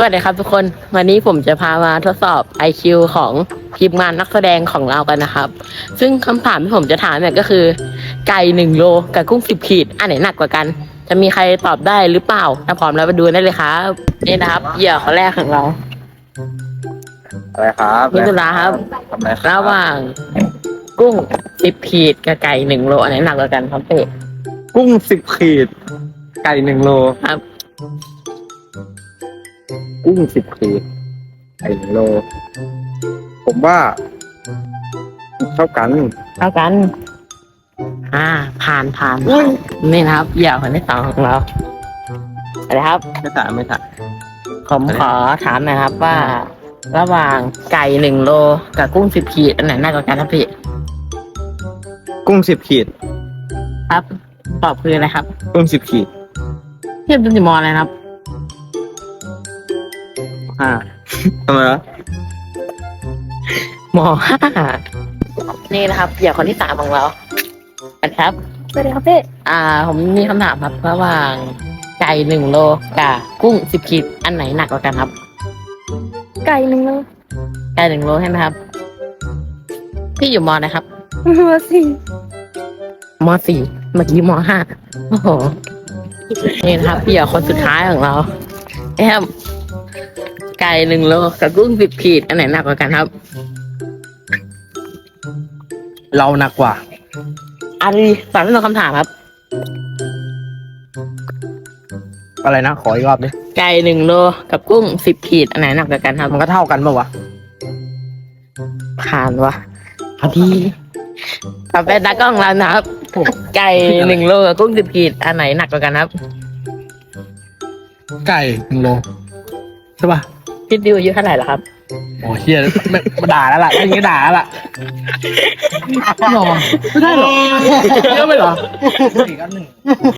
วัสดีครับทุกคนวันนี้ผมจะพามาทดสอบ IQ ของทีมงานนักแสดงของเรากันนะครับ ซึ่งคำถามที่ผมจะถามเนี่ยก็คือ ไก่1 โลกับกุ้ง10 ขีดอันไหนหนักกว่ากัน จะมีใครตอบได้หรือเปล่าถ้าพร้อมแล้วไปดูได้เลยครับนี่นะครับเหยื่อคนแรกของเราอะไรครับมิถุราครับทำอะไรครัระบหว่างกุ้ง10 ขีดกับไก่1 โลอันไหนหนักกว่ากันครับเป๊ะกุ้ง10 ขีด ไก่1 โลครับกุ้ง10 ขีด ไก่1 โล ผมว่าเท่ากันเท่ากัน ผ่านนี่นะครับเหยื่อคนที่สองของเราอะไรครับไม่ถามไม่ถามผมขอถามหนะครับว่า ระหว่างไก่1 โลกับกุ้ง10 ขีดอันไหนหนักกว่ากันครับพี่กุ้ง10 ขีดครับ ตอบคืออะไรครับกุ้ง10 ขีดเทียบเป็นมออะไรนะครับทำไมวะม5นี่นะครับเหยื่อคนที่สามของเราครับสวัสดีครับพี่ผมมีคำถามครับระหว่างไก่1 โลกับกุ้ง10 ขีดอันไหนหนักกว่ากันครับไก่หนึ่งโลไก่1 โลใช่ไหมครับ พี่อยู่มนะครับมาสี่ม .4 เมื่อกี้ม .5 โอ้โห นี่นะครับเหยื่อคนสุดท้ายของเราแอมไก่1 โลกับกุ้ง10 ขีดอันไหนหนักกว่ากันครับเราหนักกว่าอันนี้ตอบไม่ตรงคำถามครับอะไรนะ ขออีกรอบดิไก่1 โลกับกุ้ง10 ขีดอันไหนหนักกว่ากันครับมันก็เท่ากันปะวะผ่านวะพอดีต่อไปตากล้องเรานะครับ ไก่1 โลกับกุ้ง10 ขีดอันไหนหนักกว่ากันครับไก่1 โล ใช่ป่ะพี่ดิวอายุเท่าไหร่ล่ะครับโอ้เฮียไม่มาด่าแล้วล่ะไม่งี้ด่าแล้วล่ะหรอไม่ได้หรอเยอะไปหรอ